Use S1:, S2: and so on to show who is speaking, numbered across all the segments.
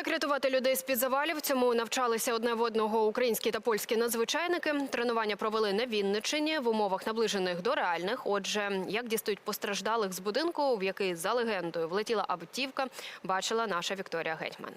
S1: Як рятувати людей з-під завалів? Цьому навчалися одне в одного українські та польські надзвичайники. Тренування провели на Вінниччині в умовах, наближених до реальних. Отже, як дістають постраждалих з будинку, в який, за легендою, влетіла автівка, бачила наша Вікторія Гетьман.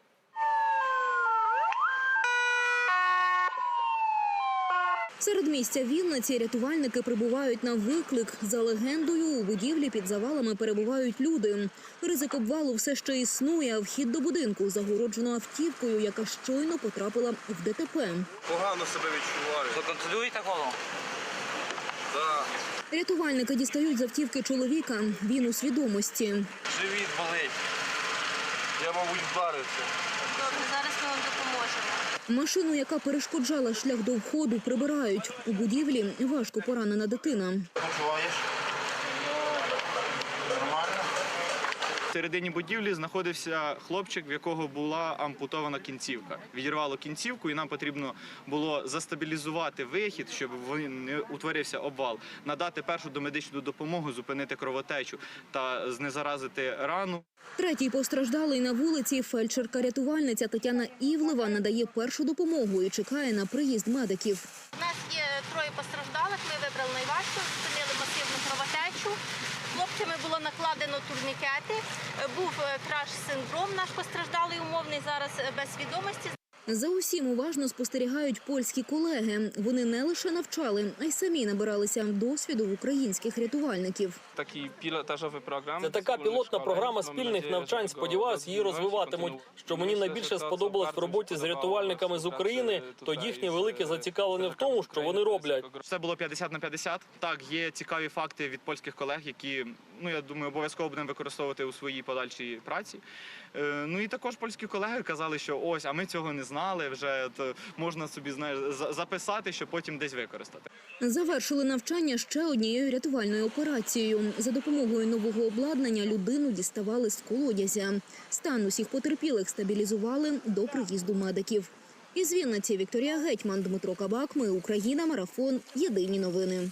S2: Середмістя Вінниці рятувальники прибувають на виклик. За легендою, у будівлі під завалами перебувають люди. Ризик обвалу все ще існує, а вхід до будинку загороджено автівкою, яка щойно потрапила в ДТП.
S3: Погано себе відчуваю.
S4: Контролюєте голову?
S3: Так.
S2: Рятувальники дістають з автівки чоловіка. Він у свідомості.
S3: Живіт болить. Я, мабуть, вдарився.
S5: Добре, зараз ми вам допоможемо.
S2: Машину, яка перешкоджала шлях до входу, прибирають. У будівлі важко поранена дитина.
S3: Почуваєш? Нормально?
S6: В середині будівлі знаходився хлопчик, в якого була ампутована кінцівка. Відірвало кінцівку, і нам потрібно було застабілізувати вихід, щоб не утворився обвал, надати першу домедичну допомогу, зупинити кровотечу та знезаразити рану.
S2: Третій постраждалий на вулиці. Фельдшерка-рятувальниця Тетяна Івлева надає першу допомогу і чекає на приїзд медиків.
S5: У нас є троє постраждалих, ми вибрали найважче, зупинили масивну кровотечу. Хлопцями було накладено турнікети, був краш-синдром наш постраждалий умовний, зараз без свідомості.
S2: За усім уважно спостерігають польські колеги. Вони не лише навчали, а й самі набиралися досвіду в українських рятувальників.
S7: Це така пілотна програма спільних навчань. Сподіваюсь, її розвиватимуть. Що мені найбільше сподобалось в роботі з рятувальниками з України, то їхнє велике зацікавлення в тому, що вони роблять.
S6: Все було 50 на 50. Так, є цікаві факти від польських колег, які, я думаю, обов'язково будемо використовувати у своїй подальшій праці. І також польські колеги казали, що ось, а ми цього не знали, вже можна собі, записати, щоб потім десь використати.
S2: Завершили навчання ще однією рятувальною операцією. За допомогою нового обладнання людину діставали з колодязя. Стан усіх потерпілих стабілізували до приїзду медиків. Із Вінниці Вікторія Гетьман, Дмитро Кабак. Ми Україна. Марафон. Єдині новини.